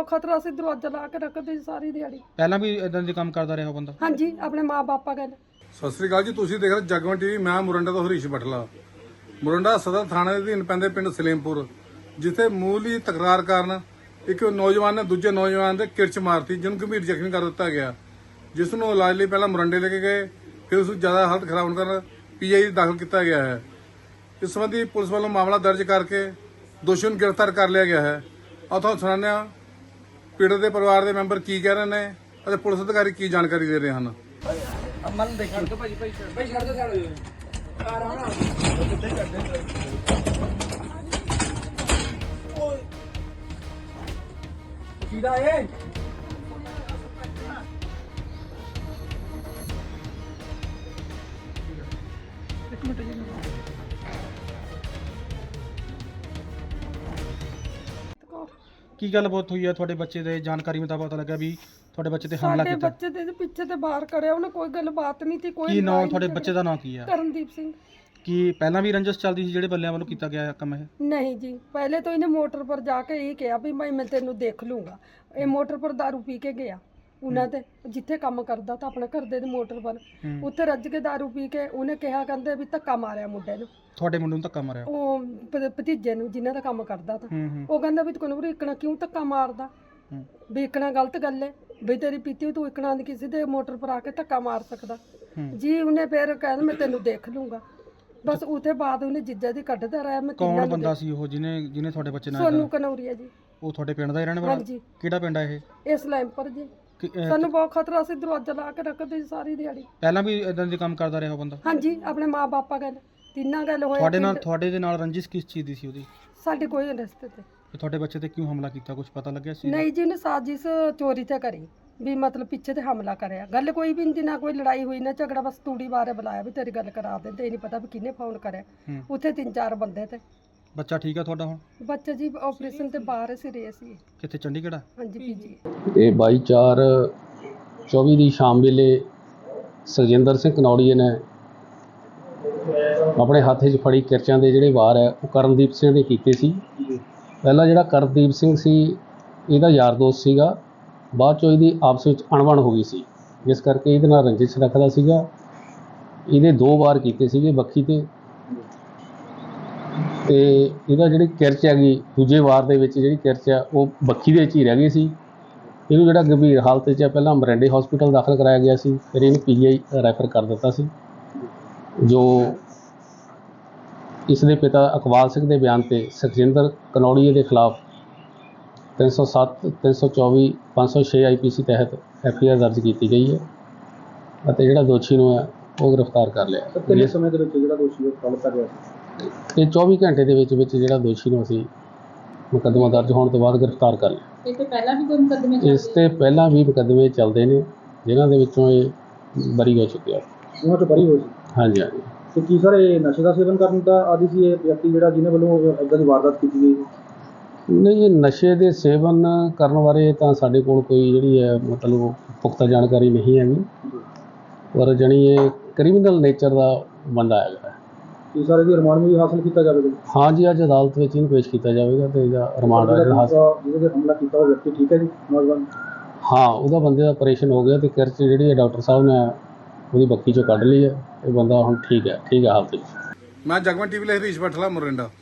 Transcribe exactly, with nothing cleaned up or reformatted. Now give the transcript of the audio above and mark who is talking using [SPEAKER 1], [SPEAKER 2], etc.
[SPEAKER 1] बहुत खतरा से दरवाजा ला के रखते सारी दिहाड़ी।
[SPEAKER 2] ਪਹਿਲਾਂ ਵੀ ਇਦਾਂ ਦੇ ਕੰਮ ਕਰਦਾ ਰਿਹਾ ਉਹ ਬੰਦਾ?
[SPEAKER 1] हाँ जी, अपने माँ बापा गल।
[SPEAKER 3] ਸਤਿ ਸ੍ਰੀ ਅਕਾਲ ਜੀ, ਤੁਸੀਂ ਦੇਖ ਰਹੇ ਜਗਵੰਤ ਟੀਵੀ। ਮੈਂ ਮੁਰੰਡਾ ਤੋਂ ਹਰੀਸ਼ ਬਠਲਾ। ਮੁਰੰਡਾ ਸਦਰ ਥਾਣੇ ਦੇ ਅਧੀਨ ਪੈਂਦੇ ਪਿੰਡ ਸਲੇਮਪੁਰ, ਜਿੱਥੇ ਮੂਲੀ ਤਕਰਾਰ ਕਾਰਨ ਇੱਕ ਨੌਜਵਾਨ ਨੇ ਦੂਜੇ ਨੌਜਵਾਨ ਦੇ ਕਿਰਚ ਮਾਰਤੀ, ਜਿਹਨੂੰ ਗੰਭੀਰ ਜ਼ਖਮੀ ਕਰ ਦਿੱਤਾ ਗਿਆ, ਜਿਸ ਨੂੰ ਇਲਾਜ ਲਈ ਪਹਿਲਾਂ ਮੁਰੰਡੇ ਲੈ ਕੇ ਗਏ, ਫਿਰ ਉਸ ਨੂੰ ਜ਼ਿਆਦਾ ਹਾਲਤ ਖਰਾਬ ਹੋਣ ਕਾਰਨ ਪੀਆਈ ਦਾਖਲ ਕੀਤਾ ਗਿਆ ਹੈ। ਇਸ ਸੰਬੰਧੀ ਪੁਲਿਸ ਵੱਲੋਂ ਮਾਮਲਾ ਦਰਜ ਕਰਕੇ ਦੋਸ਼ੀ ਨੂੰ ਗ੍ਰਿਫਤਾਰ ਕਰ ਲਿਆ ਗਿਆ ਹੈ। ਉੱਥੋਂ ਸੁਣਾਉਂਦੇ ਹਾਂ ਪੀੜਤ ਦੇ ਪਰਿਵਾਰ ਦੇ ਮੈਂਬਰ ਕੀ ਕਹਿ ਰਹੇ ਨੇ ਅਤੇ ਪੁਲਿਸ ਅਧਿਕਾਰੀ ਕੀ ਜਾਣਕਾਰੀ ਦੇ ਰਹੇ ਹਨ।
[SPEAKER 4] ਅਮਨ ਦੇਖੋ ਭਾਈ ਭਾਈ ਭਾਈ ਛੱਡ ਦੋ ਛੱਡ ਦੋ ਆ ਰਹਾ ਨਾ ਕਿੱਥੇ ਕਰਦੇ ਓਏ ਕਿਹਦਾ ਏ ਇੱਕ ਮਿੰਟ ਜੀ।
[SPEAKER 2] ਕੀ ਗੱਲਬਾਤ ਹੋਈ ਹੈ ਤੁਹਾਡੇ ਬੱਚੇ ਦੇ? ਜਾਣਕਾਰੀ ਮੁਤਾਬਕ ਪਤਾ ਲੱਗਾ ਵੀ ਤੁਹਾਡੇ ਬੱਚੇ ਤੇ ਹਮਲਾ
[SPEAKER 1] ਸਾਡੇ
[SPEAKER 2] ਕੀਤਾ।
[SPEAKER 1] ਬੱਚੇ ਦੇ ਪਿੱਛੇ ਤੇ ਬਾਹਰ ਕਰਿਆ ਉਹਨੇ, ਕੋਈ ਗੱਲਬਾਤ ਨਹੀਂ ਸੀ। ਕੋਈ
[SPEAKER 2] ਕੀ ਨਾਮ
[SPEAKER 1] ਲੜਾਈ
[SPEAKER 2] ਤੁਹਾਡੇ
[SPEAKER 1] ਨਹੀਂ
[SPEAKER 2] ਬੱਚੇ ਦਾ ਨਾਮ ਕੀ ਹੈ?
[SPEAKER 1] ਕਰਨਦੀਪ ਸਿੰਘ।
[SPEAKER 2] ਕੀ ਪਹਿਲਾਂ ਵੀ ਰੰਜਸ ਚੱਲਦੀ ਸੀ ਜਿਹੜੇ ਬੱਲਿਆਂ ਵੱਲੋਂ ਕੀਤਾ ਗਿਆ ਕੰਮ ਇਹ?
[SPEAKER 1] नहीं जी, पहले तो इन्हें मोटर पर जाके यही कहा भी मैं मैं तेनू देख लूंगा। ये मोटर पर दारू पी के गया उन्हें ते जिथे काम करदा था अपने घर दे मोटर पर, उत्थे रज के दारू पी के उन्हें कहा कहंदे भी धक्का मारिया मुंडे नू,
[SPEAKER 2] ਤੁਹਾਡੇ ਮੁੰਡੇ ਨੂੰ ਧੱਕਾ ਮਾਰਿਆ?
[SPEAKER 1] ਉਹ ਭ- ਭਤੀਜੇ ਨੂੰ ਜਿਨ੍ਹਾਂ ਦਾ ਕੰਮ ਕਰਦਾ था।
[SPEAKER 2] ਹੂੰ ਹੂੰ
[SPEAKER 1] ਉਹ ਕਹਿੰਦਾ ਵੀ ਤੈਨੂੰ ਇਕਣਾ ਕਿਉਂ ਧੱਕਾ ਮਾਰਦਾ,
[SPEAKER 2] ਹੂੰ।
[SPEAKER 1] ਵੀ ਇਕਣਾ ਗਲਤ ਗੱਲ ਹੈ ਵੀ ਤੇਰੀ ਪੀਤੀ ਹੋਈ ਤੂੰ ਇਕਣਾ ਦੀ ਕਿਸੇ ਦੇ ਮੋਟਰ ਪਰ ਆ ਕੇ ਧੱਕਾ ਮਾਰ ਸਕਦਾ
[SPEAKER 2] ਹੂੰ।
[SPEAKER 1] ਜੀ। ਉਹਨੇ ਫਿਰ ਕਹਿੰਦਾ ਮੈਂ ਤੈਨੂੰ ਦੇਖ ਲੂੰਗਾ। ਬਸ ਉਹਦੇ ਬਾਅਦ ਉਹਨੇ ਜਿੱਜਾ ਦੀ ਕੱਢਦਾ ਰਿਹਾ। ਮੈਂ
[SPEAKER 2] ਕੌਣ ਬੰਦਾ ਸੀ ਉਹ ਜਿਹਨੇ ਜਿਹਨੇ ਤੁਹਾਡੇ ਬੱਚੇ ਨਾਲ
[SPEAKER 1] ਸੋਨੂ
[SPEAKER 2] ਏਦਾਂ-
[SPEAKER 1] ਕਨੌਰੀਆ ਜੀ।
[SPEAKER 2] ਉਹ ਤੁਹਾਡੇ ਪਿੰਡ ਦਾ ਹੀ ਰਹਿਣ ਵਾਲਾ?
[SPEAKER 1] ਹਾਂਜੀ।
[SPEAKER 2] ਕਿਹੜਾ ਪਿੰਡ ਹੈ ਇਹ?
[SPEAKER 1] ਇਸ ਲੈਂਪਰ ਜੀ।
[SPEAKER 2] ਕਿ- ਅਹ,
[SPEAKER 1] ਸਾਨੂੰ ਬਹੁਤ ਖਤਰਾ ਸੀ, ਦਰਵਾਜ਼ਾ ਲਾ ਕੇ ਰੱਖਦੇ ਸੀ ਸਾਰੀ ਦਿਹਾੜੀ।
[SPEAKER 2] ਪਹਿਲਾਂ ਵੀ ਇਦਾਂ ਦੇ ਕੰਮ ਕਰਦਾ ਰਿਹਾ ਉਹ ਬੰਦਾ?
[SPEAKER 1] ਹਾਂਜੀ, ਆਪਣੇ ਮਾਂ ਬਾਪਾ ਗੱਲ ਤਿੰਨਾਂ ਗੱਲ ਹੋਇਆ।
[SPEAKER 2] ਤੁਹਾਡੇ ਨਾਲ ਤੁਹਾਡੇ ਦੇ ਨਾਲ ਰੰਜਿਸ਼ ਕਿਸ ਚੀਜ਼ ਦੀ ਸੀ ਉਹਦੀ?
[SPEAKER 1] ਸਾਡੇ ਕੋਈ ਰਸਤੇ ਤੇ
[SPEAKER 2] ਤੇ ਤੁਹਾਡੇ ਬੱਚੇ ਤੇ ਕਿਉਂ ਹਮਲਾ ਕੀਤਾ, ਕੁਝ ਪਤਾ ਲੱਗਿਆ ਸੀ?
[SPEAKER 1] ਨਹੀਂ ਜੀ, ਉਹਨੇ ਸਾਜ਼ਿਸ਼ ਚੋਰੀ ਤੇ ਕਰੀ ਵੀ ਮਤਲਬ ਪਿੱਛੇ ਤੇ ਹਮਲਾ ਕਰਿਆ। ਗੱਲ ਕੋਈ ਵੀ ਨਹੀਂ, ਨਾ ਕੋਈ ਲੜਾਈ ਹੋਈ ਨਾ ਝਗੜਾ, ਬਸ ਤੂੜੀ ਬਾਰੇ ਬੁਲਾਇਆ ਵੀ ਤੇਰੀ ਗੱਲ ਕਰਾ ਦੇ। ਤੇ ਇਹ ਨਹੀਂ ਪਤਾ ਵੀ ਕਿਹਨੇ ਫੋਨ ਕਰਿਆ।
[SPEAKER 2] ਹੂੰ।
[SPEAKER 1] ਉੱਥੇ ਤਿੰਨ ਚਾਰ ਬੰਦੇ ਤੇ।
[SPEAKER 2] ਬੱਚਾ ਠੀਕ ਆ ਤੁਹਾਡਾ ਹੁਣ?
[SPEAKER 1] ਬੱਚਾ ਜੀ ਆਪਰੇਸ਼ਨ ਤੇ ਬਾਹਰ ਸੀ ਰਹੇ ਸੀ।
[SPEAKER 2] ਕਿੱਥੇ, ਚੰਡੀਗੜ੍ਹ?
[SPEAKER 1] ਹਾਂਜੀ ਪੀਜੀ।
[SPEAKER 5] ਇਹ ਬਾਈ ਚਾਰ ਚੌਵੀ ਦੀ ਸ਼ਾਮ ਵੇਲੇ ਸੁਖਜਿੰਦਰ ਸਿੰਘ ਕਨੌੜੀਏ ਨੇ ਆਪਣੇ ਹੱਥ 'ਚ ਫੜੀ ਕਿਰਚਾਂ ਦੇ ਜਿਹੜੇ ਵਾਰ ਹੈ ਉਹ ਕਰਨਦੀਪ ਸਿੰਘ ਦੇ ਕੀਤੇ ਸੀ। ਪਹਿਲਾਂ ਜਿਹੜਾ ਕਰਨਦੀਪ ਸਿੰਘ ਸੀ ਇਹਦਾ ਯਾਰ ਦੋਸਤ ਸੀਗਾ, ਬਾਅਦ 'ਚੋਂ ਇਹਦੀ ਆਪਸ ਵਿੱਚ ਅਣਬਣ ਹੋ ਗਈ ਸੀ, ਜਿਸ ਕਰਕੇ ਇਹਦੇ ਨਾਲ ਰੰਜਿਸ਼ ਰੱਖਦਾ ਸੀਗਾ। ਇਹਦੇ ਦੋ ਵਾਰ ਕੀਤੇ ਸੀਗੇ ਬੱਖੀ 'ਤੇ, ਅਤੇ ਇਹਦਾ ਜਿਹੜੀ ਕਿਰਚ ਹੈਗੀ ਦੂਜੇ ਵਾਰ ਦੇ ਵਿੱਚ ਜਿਹੜੀ ਕਿਰਚ ਆ ਉਹ ਬੱਖੀ ਦੇ ਵਿੱਚ ਹੀ ਰਹਿ ਗਈ ਸੀ। ਇਹਨੂੰ ਜਿਹੜਾ ਗੰਭੀਰ ਹਾਲਤ 'ਚ ਪਹਿਲਾਂ ਮੋਰਿੰਡੇ ਹਸਪੀਟਲ ਦਾਖਲ ਕਰਾਇਆ ਗਿਆ ਸੀ, ਫਿਰ ਇਹਨੂੰ ਪੀ ਜੀ ਆਈ ਰੈਫਰ ਕਰ ਦਿੱਤਾ ਸੀ। ਜੋ ਇਸ ਦੇ ਪਿਤਾ ਇਕਬਾਲ ਸਿੰਘ ਦੇ ਬਿਆਨ 'ਤੇ ਸੁਖਜਿੰਦਰ ਕਨੌੜੀਏ ਦੇ ਖਿਲਾਫ ਤਿੰਨ ਸੌ ਸੱਤ, ਤਿੰਨ ਸੌ ਚੌਵੀ, ਪੰਜ ਸੌ ਛੇ ਆਈ ਪੀ ਸੀ ਤਹਿਤ ਐਫ ਆਈ ਆਰ ਦਰਜ ਕੀਤੀ ਗਈ ਹੈ ਅਤੇ ਜਿਹੜਾ ਦੋਸ਼ੀ ਨੂੰ ਹੈ ਉਹ ਗ੍ਰਿਫਤਾਰ ਕਰ ਲਿਆ।
[SPEAKER 4] ਕਿੰਨੇ ਸਮੇਂ ਦੇ ਵਿੱਚ ਜਿਹੜਾ ਦੋਸ਼ੀ ਨੂੰ ਫੜ ਲਿਆ ਗਿਆ ਸੀ?
[SPEAKER 5] ਇਹ ਚੌਵੀ ਘੰਟੇ ਦੇ ਵਿੱਚ ਵਿੱਚ ਜਿਹੜਾ ਦੋਸ਼ੀ ਨੂੰ ਅਸੀਂ ਮੁਕੱਦਮਾ ਦਰਜ ਹੋਣ ਤੋਂ ਬਾਅਦ ਗ੍ਰਿਫਤਾਰ ਕਰ ਲਿਆ।
[SPEAKER 6] ਇਸ ਤੋਂ ਪਹਿਲਾਂ ਵੀ ਕੋਈ ਮੁਕੱਦਮੇ
[SPEAKER 5] ਇਸ ਤੇ ਪਹਿਲਾਂ ਵੀ ਮੁਕੱਦਮੇ ਚੱਲਦੇ ਨੇ, ਜਿਨ੍ਹਾਂ ਦੇ ਵਿੱਚੋਂ ਇਹ ਬਰੀ ਹੋ ਚੁੱਕਿਆ।
[SPEAKER 4] ਉਹਨਾਂ ਤੋਂ ਬਰੀ ਹੋਈ ਸੀ?
[SPEAKER 5] ਹਾਂਜੀ ਹਾਂਜੀ।
[SPEAKER 4] ਤੇ ਕੀ ਸਰ ਇਹ ਨਸ਼ੇ ਦਾ ਸੇਵਨ ਕਰਨ ਦਾ ਆਦੀ ਸੀ ਇਹ ਵਿਅਕਤੀ ਜਿਹੜਾ ਜਿਹਨੇ ਵੱਲੋਂ ਇੱਦਾਂ ਦੀ ਵਾਰਦਾਤ ਕੀਤੀ ਗਈ?
[SPEAKER 5] ਨਹੀਂ, ਇਹ ਨਸ਼ੇ ਦੇ ਸੇਵਨ ਕਰਨ ਬਾਰੇ ਤਾਂ ਸਾਡੇ ਕੋਲ ਕੋਈ ਜਿਹੜੀ ਹੈ ਮਤਲਬ ਪੁਖਤਾ ਜਾਣਕਾਰੀ ਨਹੀਂ ਹੈਗੀ, ਪਰ ਜਾਣੀ ਇਹ ਕ੍ਰਿਮੀਨਲ ਨੇਚਰ ਦਾ ਬੰਦਾ ਹੈਗਾ।
[SPEAKER 4] ਕੀ ਸਰ ਇਹਦੀ ਰਿਮਾਂਡ ਵੀ ਹਾਸਲ ਕੀਤਾ ਜਾਵੇਗਾ?
[SPEAKER 5] ਹਾਂ ਜੀ, ਅੱਜ ਅਦਾਲਤ ਵਿੱਚ ਇਹਨੂੰ ਪੇਸ਼ ਕੀਤਾ ਜਾਵੇਗਾ ਅਤੇ ਇਹਦਾ ਰਿਮਾਂਡ ਹਾਸਲ।
[SPEAKER 4] ਜਿਹਦੇ ਤੇ ਹਮਲਾ ਕੀਤਾ ਉਹ ਵਿਅਕਤੀ ਠੀਕ ਹੈ ਜੀ, ਨੌਜਵਾਨ?
[SPEAKER 5] ਹਾਂ, ਉਹਦਾ ਬੰਦੇ ਦਾ ਆਪਰੇਸ਼ਨ ਹੋ ਗਿਆ ਅਤੇ ਕਿਰਚ ਜਿਹੜੀ ਹੈ ਡਾਕਟਰ ਸਾਹਿਬ ਨੇ ਉਹਦੀ ਬੱਕੀ 'ਚੋਂ ਕੱਢ ਲਈ ਹੈ। ਇਹ ਬੰਦਾ ਹੁਣ ਠੀਕ ਹੈ, ਠੀਕ ਹੈ ਹਾਲਤ ਵਿੱਚ।
[SPEAKER 3] ਮੈਂ ਜਗਵੰਤ ਟੀਵੀ ਲਈ ਹਰੀਸ਼ ਬਠਲਾ, ਮੁਰੰਡਾ।